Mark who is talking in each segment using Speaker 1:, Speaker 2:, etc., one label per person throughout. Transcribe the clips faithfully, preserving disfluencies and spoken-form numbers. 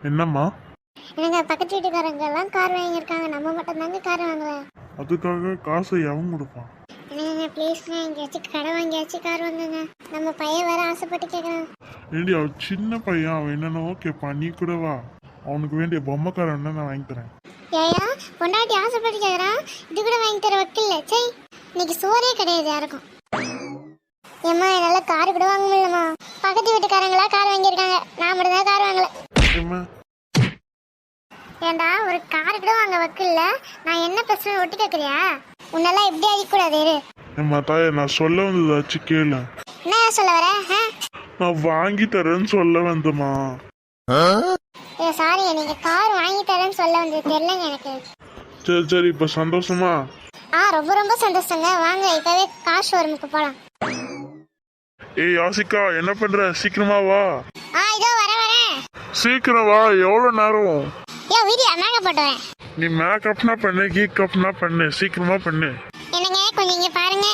Speaker 1: என்னம்மா?
Speaker 2: என்னங்க பக்கத்து வீட்டுக்காரங்க எல்லாம் கார் வாங்கியிருக்காங்க, நம்ம மட்டும் தாங்க கார் வாங்கல.
Speaker 1: அதுக்காக காசை எவன் கொடுப்பான்?
Speaker 2: என்னங்க ப்ளீஸ்ங்க, எங்கேயாச்சும் கடை வாங்கியாச்சும் கார் வாங்குங்க. நம்ம பையன் வேற ஆசைப்பட்டு கேட்குறான்.
Speaker 1: ஏண்டி அவன் சின்ன பையன், அவன் என்னென்னவோ கேட்பான். நீ கூட வா, அவனுக்கு வேண்டிய பொம்மைக்காரன் நான் வாங்கி தரேன்.
Speaker 2: ஏயா பொண்டாட்டி ஆசைப்பட்டு கேட்குறான், இது கூட வாங்கி தர வக்கில்ல. சரி இன்னைக்கு சோறே கிடையாது யாருக்கும். ஏம்மா என்னால் கார் கூட வாங்க முடியலம்மா. பக்கத்து வீட்டுக்காரங்களா கார் வாங்கியிருக்காங்க, நான் மட்டும் தான் கார் வாங்கல.
Speaker 1: ஏம்மா?
Speaker 2: ஏண்டா ஒரு கார் கூட வாங்க வக்கில்ல, நான் என்ன பிரச்சனை ஒட்டி கேட்குறியா? உன்னெல்லாம் எப்படி அடிக்கூடாது.
Speaker 1: ஏம்மா தாயே, நான் சொல்ல வந்ததாச்சு கேளு.
Speaker 2: என்ன சொல்ல வர?
Speaker 1: நான் வாங்கி தரேன்னு சொல்ல வந்தம்மா.
Speaker 2: ஏ சாரி, நீங்க கார் வாங்கி தரேன்னு சொல்ல வந்தது தெரியலங்க எனக்கு.
Speaker 1: சரி சரி, இப்ப சந்தோஷமா?
Speaker 2: ஆ ரொம்ப ரொம்ப சந்தோஷங்க. வாங்க இப்பவே கார் ஷோரூமுக்கு போலாம்.
Speaker 1: ஏய் யாசிகா, என்ன பண்ற? சீக்கிரமா வா.
Speaker 2: ஆ இதோ வர வரேன்.
Speaker 1: சீக்கிரம் வா, எவ்வளவு நேரம்?
Speaker 2: ஏ வீடியோ மேக்கப் போட்டு வரேன்.
Speaker 1: நீ மேக்கப்னா பண்ணு, கீக்கப்னா பண்ணு, சீக்கிரமா பண்ணு.
Speaker 2: என்னங்க கொஞ்சம் இங்க பாருங்க.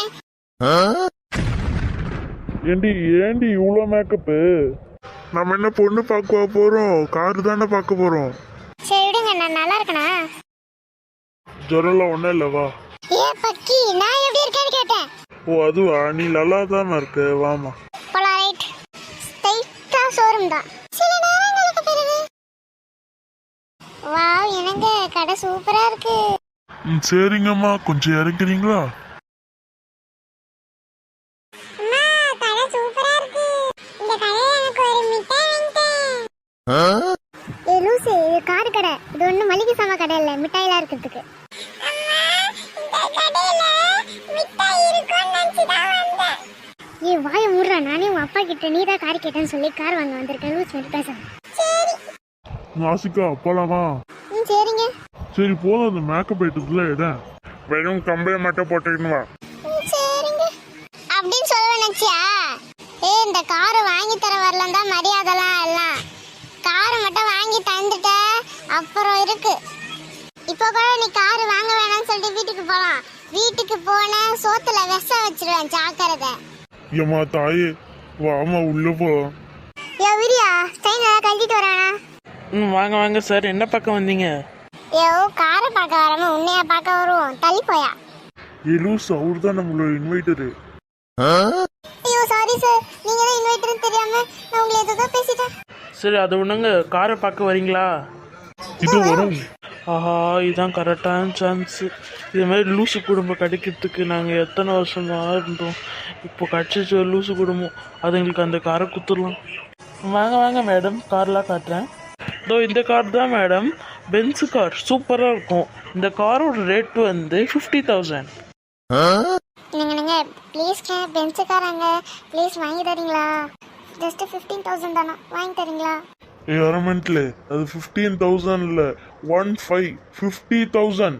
Speaker 1: ஏண்டி ஏண்டி இவ்வளோ மேக்கப்பு? நம்ம என்ன பொண்ணு பார்க்க போறோம், காரு தானே பார்க்க போறோம்.
Speaker 2: சரி விடுங்க, நான் நல்லா இருக்கனா?
Speaker 1: ஜுரம்லாம் ஒன்றும் இல்லை, வா.
Speaker 2: ஏ பக்கி, நான் எப்படி இருக்கேன்னு கேட்டேன்.
Speaker 1: ஓ அதுவா, நீ நல்லா தானே இருக்க, வாமா.
Speaker 2: போலாம். ரைட், ஸ்ட்ரைட்டா ஷோரூம் தான். சில நேரங்களுக்கு பிறகு வாவ், என்னங்க கடை சூப்பரா இருக்கு.
Speaker 1: ம் சரிங்கம்மா, கொஞ்சம் இறங்குறீங்களா?
Speaker 2: அம்மா கடை சூப்பரா இருக்கு. இந்த கடையில எனக்கு ஒரு மிட்டாய் வாங்கிட்டேன். ஏ லூசு, இது கார் கடை, இது ஒண்ணு மளிகை சாமா கடை இல்ல, மிட்டாய்லாம் இருக்கிறதுக்கு. அம்மா இந்த கடையில மிட்டாய் இருக்குன்னு நினைச்சு தான் வந்தேன். ஏ வாயை மூடுறா, நானே உன் அப்பா கிட்ட நீ தான் கார் கேட்டேன்னு சொல்லி கார் வாங்க வந்திருக்கேன். லூஸ் மாதிரி பேசுறேன். சரி
Speaker 1: ஆசிகா போலாமா?
Speaker 2: ம் சரிங்க.
Speaker 1: சரி போதும், அந்த மேக்கப் ஐட்டத்துல இடம் வெறும் கம்பையை மட்டும் போட்டுக்கணும் வா.
Speaker 2: ம் சரிங்க அப்படின்னு சொல்ல நினைச்சியா? ஏ இந்த கார் வாங்கி தர வரலாம் தான் மரியாதைலாம் எல்லாம். கார் மட்டும் வாங்கி தந்துட்ட அப்புறம் இருக்கு. இப்போ கூட நீ கார் வாங்க வேணாம்னு சொல்லிட்டு வீட்டுக்கு போலாம். வீட்டுக்கு போன சோத்துல விஷம் வச்சிருவேன், ஜாக்கிரதை.
Speaker 1: ஏம்மா தாயே, வாமா உள்ள போலாம்.
Speaker 2: யோ விரியா, ஸ்டைன் எல்லாம் கழட்டிட்டு வரானா?
Speaker 3: ம் வாங்க வாங்க சார், என்ன பக்கம் வந்தீங்க?
Speaker 2: யோ காரை பார்க்க வராம உன்னையா பார்க்க வருவோம், தள்ளி போயா.
Speaker 1: ஏ லூஸ், அவர் தான் நம்மளோட இன்வைட்டரு.
Speaker 2: ஐயோ சாரி சார், நீங்க தான் இன்வைட்டர்னு தெரியாம நான் உங்களை ஏதோ பேசிட்டேன்.
Speaker 3: சரி அதை ஒன்றுங்க, காரை பார்க்க வரீங்களா?
Speaker 1: இது வரும்.
Speaker 3: ஆஹா, இதுதான் கரெக்டான சான்ஸு. இது மாதிரி லூசு குடும்பம் கிடைக்கிறதுக்கு நாங்கள் எத்தனை வருஷமாக இருந்தோம். இப்போ கிடச்சிச்சு ஒரு லூசு குடும்பம், அதுங்களுக்கு அந்த காரை குத்துடலாம். வாங்க வாங்க மேடம், கார்லாம் காட்டுறேன். இதோ இந்த கார் தான் மேடம், பென்ஸு கார், சூப்பராக இருக்கும். இந்த காரோட ரேட் வந்து ஃபிஃப்டி தௌசண்ட்.
Speaker 2: நீங்க நீங்க ப்ளீஸ் பென்ஸுக்காரங்க ப்ளீஸ் வாங்கி தரீங்களா? ஜஸ்ட் ஃபிஃப்டீன் தௌசண்ட் தானா, வாங்கி தரீங்களா?
Speaker 1: ஏ அரமெண்ட்ல அது ஃபிஃப்டீன் தௌசண்ட் இல்லை, ஒன் ஃபைவ் ஃபிஃப்டி தௌசண்ட்.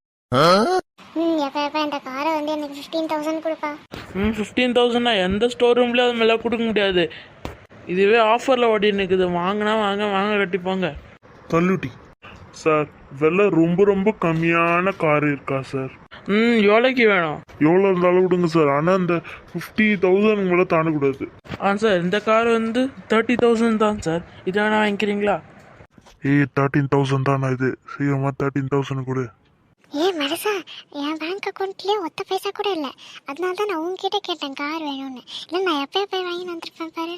Speaker 2: ம் எப்போ எப்போ இந்த காரை வந்து எனக்கு ஃபிஃப்டீன் தௌசண்ட் கொடுப்பா.
Speaker 3: ம் ஃபிஃப்டீன் தௌசண்ட்னா எந்த ஸ்டோர் ரூம்லேயும் அது மேலே கொடுக்க முடியாது. இதுவே ஆஃபரில் ஓடி நிற்குது, வாங்கினா வாங்க வாங்க கட்டிப்பாங்க.
Speaker 1: தள்ளுட்டி சார், விலை ரொம்ப ரொம்ப கம்மியான கார் இருக்கா சார்?
Speaker 3: ம் எவ்வளோக்கு வேணும்?
Speaker 1: எவ்வளோ இருந்தாலும் விடுங்க சார், ஆனால் இந்த ஃபிஃப்டி தௌசண்ட் மேலே தாண்டக்கூடாது.
Speaker 3: ஆ சார், இந்த கார் வந்து தேர்ட்டி தௌசண்ட் தான் சார், இது வேணா வாங்கிக்கிறீங்களா?
Speaker 1: ஏய் தேர்ட்டீன் தௌசண்ட் தானே இது, சீக்கிரமாக தேர்ட்டீன் தௌசண்ட் கொடு.
Speaker 2: ஏ மனசா, என் பேங்க் அக்கௌண்ட்லேயே ஒத்த பைசா கூட இல்லை, அதனால தான் நான் உங்ககிட்ட கேட்டேன் கார் வேணும்னு. இல்லை நான் எப்போ எப்போ வாங்கி வந்திருப்பேன் பாரு.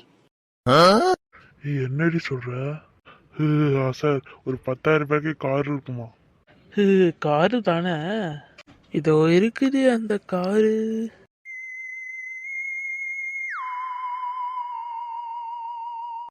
Speaker 1: ஏய் என்னடி சொல்கிற? சார் ஒரு பத்தாயிரம் ரூபாய்க்கு கார் இருக்குமா?
Speaker 3: காரு தானே, இதோ இருக்குது அந்த காரு.